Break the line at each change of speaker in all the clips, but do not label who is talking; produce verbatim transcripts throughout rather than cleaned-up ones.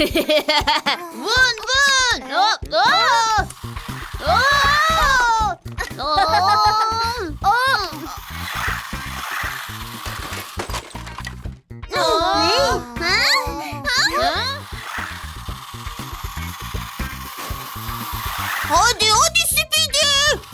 Vın vın. Hop, hop. Hop. Hop.
Hadi hadi Speedy.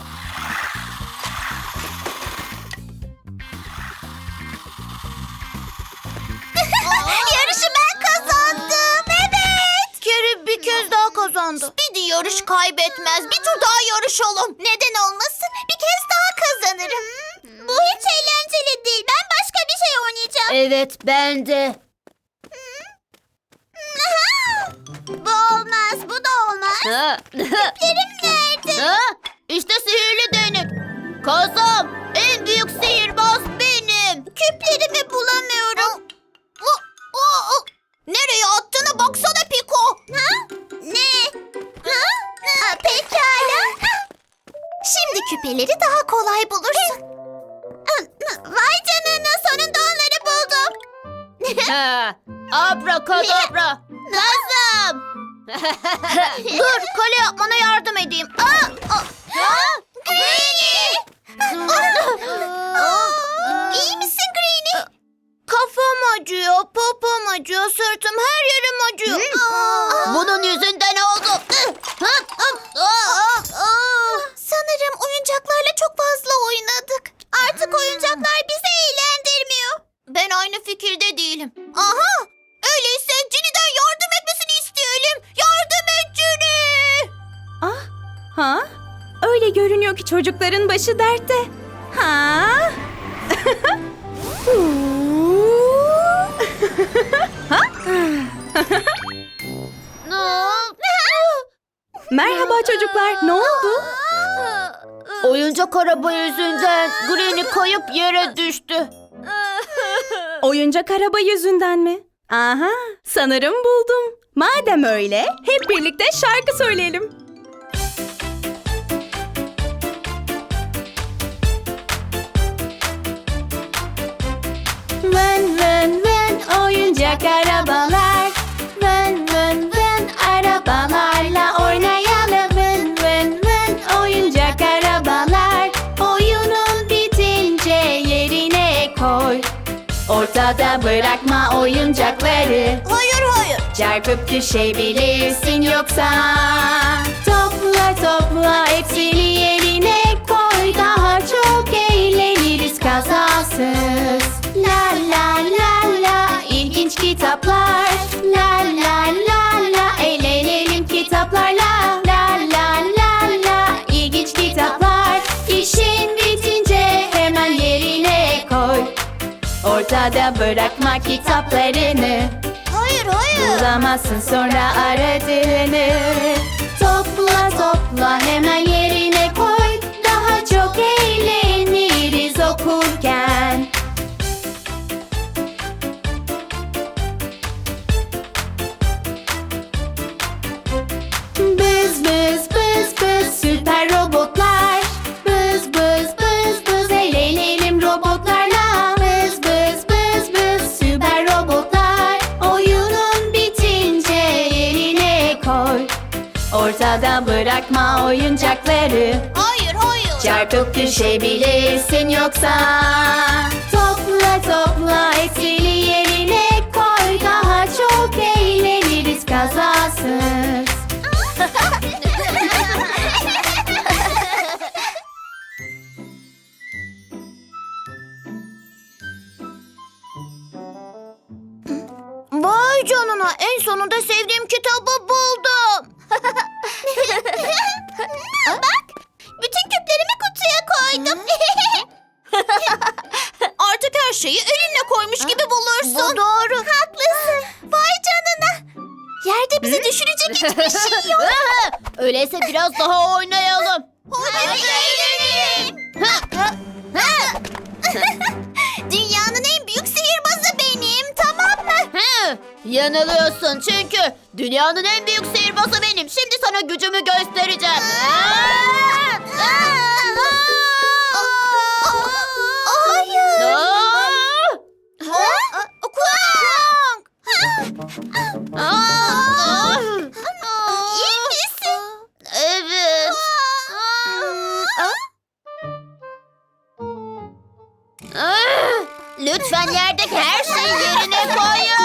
Yarışı ben kazandım. Evet. Carrie bir kez daha kazandı. Speedy yarış kaybetmez. Bir tur daha yarışalım. Neden olmasın? Bir kez daha kazanırım. Bu hiç eğlenceli değil. Ben başka bir şey oynayacağım.
Evet, ben de.
Bu olmaz. Bu da olmaz.
Ha.
Küplerim nerede?
Ha? İşte sihirli değnek. Kazam, en büyük sihirbaz benim.
Küplerimi bulamıyorum. O- o- o- Nereye attığına baksana Piko. Ha? Ne? Ha? Ha, pekala. Şimdi küpeleri daha kolay bulursun. Vay canına, sonunda onları buldum.
Ha. Abrakadabra.
Kazım.
Dur, kale yapmana yardım edeyim. Aa, aa.
Greenie. İyi misin Greenie? Kafam acıyor, popom acıyor, sırtım, her yerim acıyor.
Bunun yüzünden oldu.
Sanırım oyuncaklarla çok fazla oynadık. Artık oyuncaklar bizi eğlendirmiyor. Ben aynı fikirde değilim. Aha! Öyleyse Ginny'den yardım etmesini isteyelim. Yardım et Ginny!
Ah, ha? Öyle görünüyor ki çocukların başı dertte. Ha? Merhaba çocuklar, ne oldu?
Oyuncak araba yüzünden Granny kayıp yere düştü.
Oyuncak araba yüzünden mi? Aha, sanırım buldum. Madem öyle, hep birlikte şarkı söyleyelim. Vın vın vın oyuncak arabalar. Vın vın vın arabalarla oynayalım. Vın vın vın oyuncak arabalar. Oyunun bitince yerine koy. Ortada bırakma oyuncakları.
Hayır hayır.
Çarpıp düşebilirsin yoksa. Topla topla hepsini yerine koy. Daha çok eğleniriz kazasız. La la la la ilginç kitaplar. La la la la eğlenelim kitaplarla. La la la la ilginç kitaplar. İşin bitince hemen yerine koy. Ortada bırakma kitaplarını.
Hayır hayır.
Bulamazsın sonra aradığını. Topla topla hemen yerine koy. Daha çok eğleniriz okurken. Bız bız bız bız süper robotlar. Bız bız bız bız eğlenelim robotlarla. Bız bız bız bız süper robotlar. Oyunun bitince yerine koy. Ortada bırakma oyuncakları.
Hayır hayır.
Çarpıp düşebilirsin yoksa. Topla topla hepsini yerine koy. Daha çok eğleniriz kazasız.
Vay canına, en sonunda sevdiğim kitabı buldum. Bak, bütün küplerimi kutuya koydum. Artık her şeyi elinle koymuş gibi bulursun. Bu doğru. Haklısın. Vay canına. Yerde bizi düşürecek hiçbir şey yok.
Öyleyse biraz daha oynayalım.
Hadi eğlenelim. Dünyanın en büyük sihirbazı benim, tamam mı?
Hı, yanılıyorsun çünkü dünyanın en büyük sihirbazı benim. Şimdi sana gücümü göstereceğim.
Hayır.
Aa!
Kuang.
Aa! Lütfen yerdeki her şeyi yerine koyun.